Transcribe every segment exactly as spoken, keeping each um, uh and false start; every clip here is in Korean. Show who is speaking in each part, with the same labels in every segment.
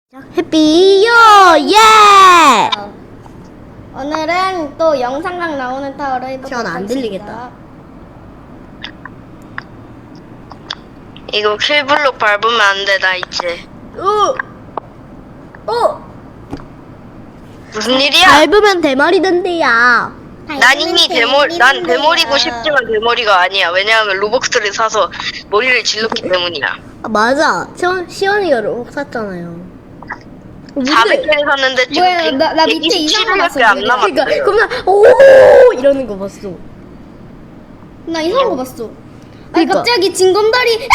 Speaker 1: 해피요 예!
Speaker 2: 어. 오늘은 또 영상각 나오는 타워를 해보도록
Speaker 1: 시원아, 안
Speaker 2: 하겠습니다.
Speaker 1: 들리겠다.
Speaker 3: 이거 킬블록 밟으면 안 돼, 나 이제.
Speaker 1: 어! 어!
Speaker 3: 무슨 일이야?
Speaker 1: 밟으면 대머리던데야.
Speaker 3: 난 이미 대머리, 난 대머리고 싶지만 대머리가 아니야. 왜냐하면 로벅스를 사서 머리를 질렀기 때문이야.
Speaker 1: 아, 맞아. 시원, 시원이가 로봇 샀잖아요. 어,
Speaker 3: 사백 개를 샀는데 지금
Speaker 2: 뭐야, 나- 나 밑에 이상한 거
Speaker 3: 백이십칠 개밖에 안
Speaker 2: 봤어,
Speaker 3: 남았어.
Speaker 1: 그러니까 겁나 오 이러는 거 봤어.
Speaker 2: 나 이상한 거 봤어. 아니
Speaker 1: 그러니까.
Speaker 2: 갑자기 징검다리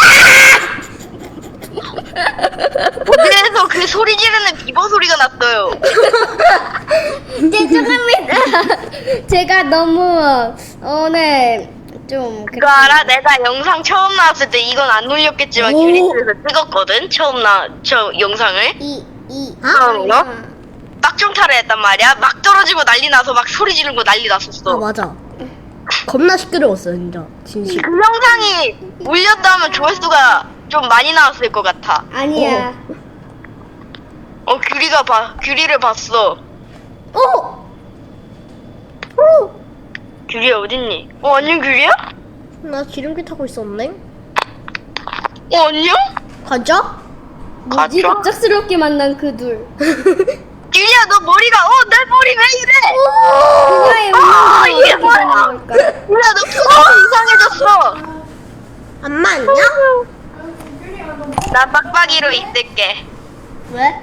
Speaker 3: 어디에서 그 소리 지르는 비버 소리가 났어요.
Speaker 2: 죄송합니다. 제가 너무 오늘 좀
Speaker 3: 그거 알아? 내가 영상 처음 나왔을 때 이건 안 올렸겠지만
Speaker 1: 오.
Speaker 3: 큐리스에서 찍었거든? 처음 나, 저 영상을.
Speaker 2: 이이
Speaker 3: 처음으로? 빡종타를 했단 말이야. 막 떨어지고 난리 나서 막 소리 지르고 난리 났었어.
Speaker 1: 아 맞아. 겁나 시끄러웠어 진짜. 진심.
Speaker 3: 그 영상이 올렸다면 조회수가 좀 많이 나왔을 것 같아.
Speaker 2: 아니야.
Speaker 3: 어, 규리가 봐, 규리를 봤어.
Speaker 1: 어! 어!
Speaker 3: 규리 어딨니? 어, 안녕, 규리야?
Speaker 1: 나 기름기 타고 있었네.
Speaker 3: 어, 안녕?
Speaker 1: 가자.
Speaker 2: 뭐지
Speaker 3: 가자.
Speaker 2: 갑작스럽게 만난 그 둘.
Speaker 3: 규리야, 너 머리가, 어, 내 머리 왜 이래?
Speaker 2: 그녀의
Speaker 3: 아,
Speaker 2: 운명을
Speaker 3: 이게
Speaker 2: 어떻게
Speaker 3: 뭐야?
Speaker 2: 되는 걸까?
Speaker 3: 규리야, 너 표정이 이상해졌어.
Speaker 1: 안 맞냐?
Speaker 3: 나 빡빡이로 있을게.
Speaker 1: 왜?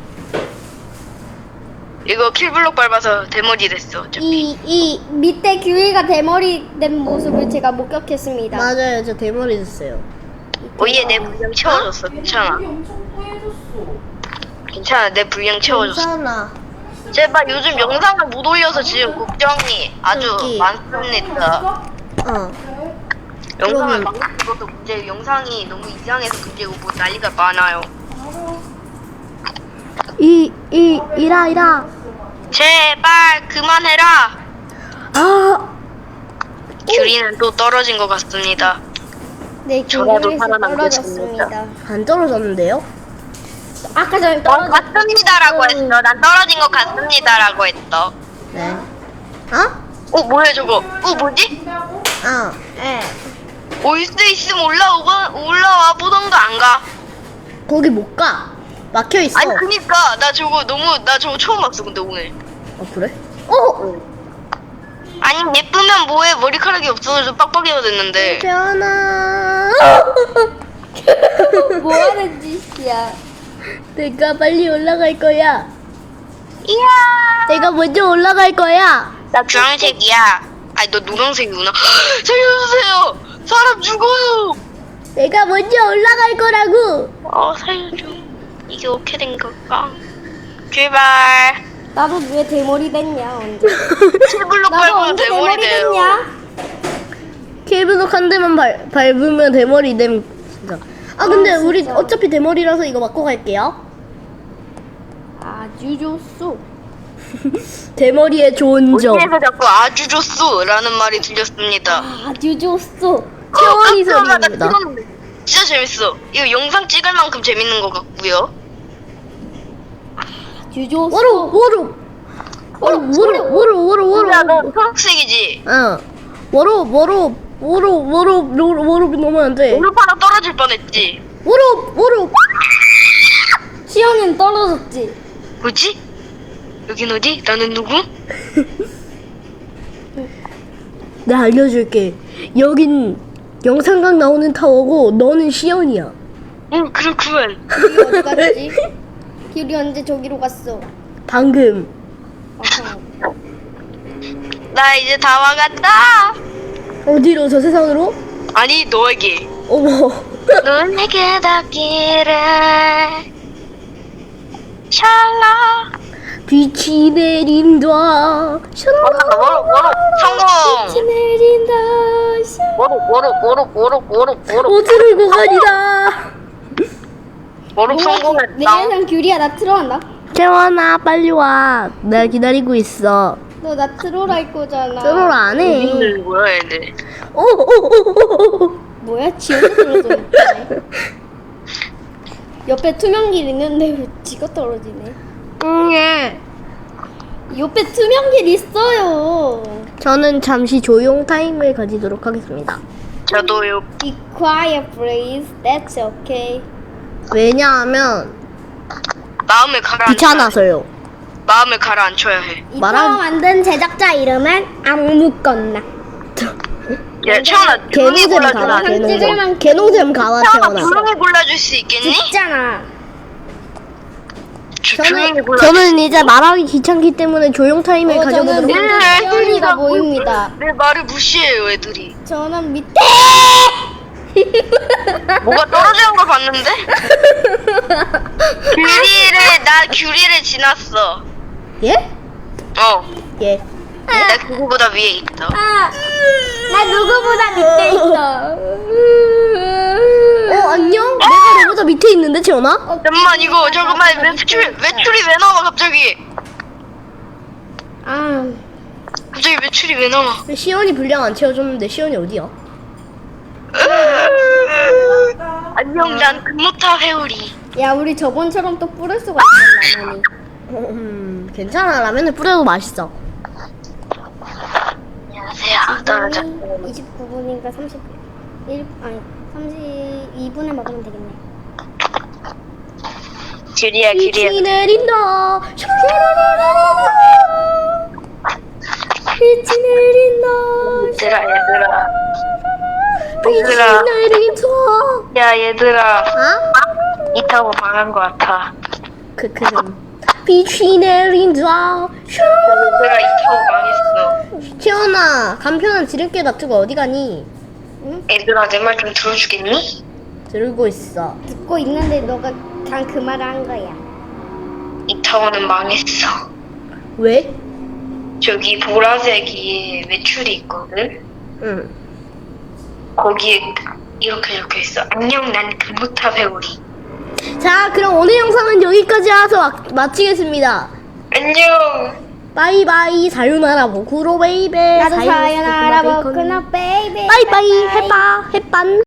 Speaker 3: 이거 킬블록 밟아서 대머리 됐어, 어차피.
Speaker 2: 이, 이 밑에 규리가 대머리 된 모습을 제가 목격했습니다.
Speaker 1: 맞아요. 저 대머리 됐어요.
Speaker 3: 오예, 내 분량 채워줬어. 괜찮아. 괜찮아, 내 분량 채워줬어.
Speaker 1: 괜찮아.
Speaker 3: 제발 요즘 영상을 못 올려서 지금 걱정이 아주
Speaker 1: 여기.
Speaker 3: 많습니다.
Speaker 1: 어.
Speaker 3: 영상을
Speaker 1: 그러면-
Speaker 3: 막 그것도 문제, 영상이 너무 이상해서 문제고 뭐 난리가 많아요.
Speaker 1: 이, 이, 이라, 이라.
Speaker 3: 제발 그만해라.
Speaker 1: 아,
Speaker 3: 규리는 또 떨어진 것 같습니다.
Speaker 2: 네,
Speaker 3: 저라도
Speaker 2: 규리에서
Speaker 3: 살아남겠습니다.
Speaker 2: 떨어졌습니다.
Speaker 1: 안 떨어졌는데요?
Speaker 2: 아까 전에
Speaker 3: 넌
Speaker 2: 떨어졌.
Speaker 3: 같습니다라고 했어. 난 떨어진 것 같습니다라고 했어.
Speaker 1: 네. 어?
Speaker 3: 어 뭐야 저거? 어 뭐지?
Speaker 1: 어.
Speaker 2: 예.
Speaker 3: 올 수 있으면 올라오가 올라와 보던가 안 가.
Speaker 1: 거기 못 가. 막혀 있어.
Speaker 3: 아니 그니까 나 저거 너무 나 저거 처음 봤어 근데 오늘.
Speaker 1: 어, 그래? 어!
Speaker 3: 아니 예쁘면 뭐해 머리카락이 없어서 빡빡이가 됐는데.
Speaker 1: 변아.
Speaker 2: 뭐 하는 짓이야?
Speaker 1: 내가 빨리 올라갈 거야.
Speaker 3: 이야.
Speaker 1: 내가 먼저 올라갈 거야.
Speaker 3: 나 주황색이야. 아니 너 노란색이구나. 살려주세요. 사람 죽어요.
Speaker 1: 내가 먼저 올라갈 거라고.
Speaker 3: 어 살려줘. 이게 어떻게 된 걸까? 제발.
Speaker 2: 나도 왜 대머리 됐냐 언제?
Speaker 3: 칠블록
Speaker 2: 나도
Speaker 3: 밟으면
Speaker 2: 언제
Speaker 3: 대머리
Speaker 2: 대머리
Speaker 3: 돼요.
Speaker 2: 됐냐?
Speaker 1: 케이블록 한 대만 밟, 밟으면 대머리 됨. 진짜. 아 근데
Speaker 2: 아,
Speaker 1: 우리
Speaker 2: 진짜.
Speaker 1: 어차피 대머리라서 이거 맞고 갈게요.
Speaker 2: 아주 좋소.
Speaker 1: 대머리의 좋은 점.
Speaker 3: 어디에서 자꾸 아주 좋소라는 말이 들렸습니다.
Speaker 2: 아주 좋소.
Speaker 1: 채원이
Speaker 3: 어, 깜짝이야, 나
Speaker 1: 소리입니다.
Speaker 3: 찍었는데. 진짜 재밌어. 이거 영상 찍을 만큼 재밌는 것 같고요.
Speaker 2: 아주 좋소.
Speaker 1: 워로 워로 워로 워로 워로 워로 워로.
Speaker 3: 야, 너 초록색이지?
Speaker 1: 어. 워로 워로 워로 워로 워로 워로 넘으면 안 돼.
Speaker 3: 오늘 하나 떨어질 뻔했지?
Speaker 1: 워로 워로.
Speaker 2: 시연이는 떨어졌지.
Speaker 3: 뭐지? 여긴 어디? 나는 누구?
Speaker 1: 내가 알려줄게. 여긴 영상각 나오는 타워고 너는 시연이야.
Speaker 3: 응, 그렇구만.
Speaker 2: 규리 어디 갔지? 규리 언제 저기로 갔어?
Speaker 1: 방금.
Speaker 2: 아하.
Speaker 3: 나 이제 다 와갔다.
Speaker 1: 어디로? 저 세상으로?
Speaker 3: 아니, 너에게.
Speaker 1: 어머.
Speaker 3: 너에게 닿기를. 샬라.
Speaker 1: 빛이 내린다. 샬라.
Speaker 3: 워로, 워로, 성공.
Speaker 2: 내린다.
Speaker 3: 워로, 워로, 워로, 워로, 워로, 워로.
Speaker 1: 어디를 고가리다.
Speaker 3: 워로
Speaker 2: 내
Speaker 3: 성공했다.
Speaker 2: 예상 규리야 나 트롤한다.
Speaker 1: 재원아 빨리 와. 내가 기다리고 있어.
Speaker 2: 너 나 트롤 할 거잖아.
Speaker 1: 트롤 안 해.
Speaker 3: 여기는 뭐야, 얘네.
Speaker 1: 오오오오오.
Speaker 2: 뭐야 지원이 들어서 옆에 투명길 있는데 왜 지가 떨어지네?
Speaker 1: 응, 예.
Speaker 2: 옆에 투명길 있어요.
Speaker 1: 저는 잠시 조용 타임을 가지도록 하겠습니다.
Speaker 3: 저도요.
Speaker 2: Be quiet, please. That's okay.
Speaker 1: 왜냐하면
Speaker 3: 마음을 가라앉혀.
Speaker 1: 귀찮아서요.
Speaker 3: 마음을 가라앉혀야 해.
Speaker 2: 이
Speaker 1: 말한-
Speaker 2: 타워 만든 제작자 이름은 아무건나.
Speaker 3: 야, 채원아, 조용히
Speaker 1: 개노잼
Speaker 3: 골라주라.
Speaker 1: 가라,
Speaker 2: 찍을만-
Speaker 1: 개노잼. 개노잼 가라,
Speaker 3: 채원아,
Speaker 1: 태원아.
Speaker 3: 조용히 골라줄 수 있겠니?
Speaker 2: 있잖아.
Speaker 3: 조, 조용히
Speaker 1: 저는,
Speaker 3: 골라.
Speaker 1: 저는 이제 말하기 귀찮기 때문에 조용 타임을
Speaker 2: 어, 저는
Speaker 1: 가져보도록
Speaker 2: 밑에
Speaker 1: 하겠습니다.
Speaker 2: 태연이가 보입니다.
Speaker 3: 내 말을 무시해요, 애들이.
Speaker 2: 저는 밑에.
Speaker 3: 뭐가 떨어지는 걸 봤는데? 규리를, 나 규리를 지났어.
Speaker 1: 예?
Speaker 3: 어.
Speaker 1: 예.
Speaker 3: 나 그거보다 위에 있어.
Speaker 2: 아, 나 누구보다 밑에 있어.
Speaker 1: 어, 안녕? 내가 너보다 밑에 있는데, 채원아?
Speaker 2: 어,
Speaker 3: 잠깐만, 이거, 잠깐만, 매출, 매출이 왜 나와, 갑자기?
Speaker 2: 아,
Speaker 3: 갑자기 매출이 왜 나와?
Speaker 1: 시원이 분량 안 채워줬는데, 시원이 어디야?
Speaker 3: 안녕, 난 금모타 회오리.
Speaker 2: 야, 우리 저번처럼 또 뿌릴 수가 있어, 라면이.
Speaker 1: 음, 괜찮아. 라면을 뿌려도 맛있어.
Speaker 3: 안녕하세요. 떨어져.
Speaker 2: 이십구 분인가 삼십일, 아니, 삼십이 분에 먹으면 되겠네.
Speaker 3: 규리야, 규리야.
Speaker 1: 빛이 내린다.
Speaker 2: 빛이 내린다.
Speaker 3: 얘들아, 얘들아.
Speaker 1: 빛이
Speaker 3: 얘들아.
Speaker 1: 내린다.
Speaker 3: 야, 얘들아.
Speaker 1: 아?
Speaker 3: 이 타고 망한 것 같아.
Speaker 1: 그, 그, 빛이 내린다.
Speaker 3: 얘들아, 이 타고 망했어.
Speaker 1: 채원아, 간편한 지름길 놔두고 어디 가니?
Speaker 3: 얘들아, 내 말 좀 들어주겠니?
Speaker 1: 들고 있어.
Speaker 2: 듣고 있는데 너가 그냥 그 말을 한 거야.
Speaker 3: 이 타워는 망했어.
Speaker 1: 왜?
Speaker 3: 저기 보라색이 매출이 있거든?
Speaker 1: 응.
Speaker 3: 거기에 이렇게 적혀 있어. 안녕, 난 금모타 회오리.
Speaker 1: 자, 그럼 오늘 영상은 여기까지 해서 마, 마치겠습니다.
Speaker 3: 안녕!
Speaker 1: 바이바이, 사요나라 보쿠로 베이베.
Speaker 2: 나도
Speaker 1: 사요,
Speaker 2: 사연하라
Speaker 1: 베이컨.
Speaker 2: 보구나, 베이비.
Speaker 1: 바이바이, 해빠, 해빤.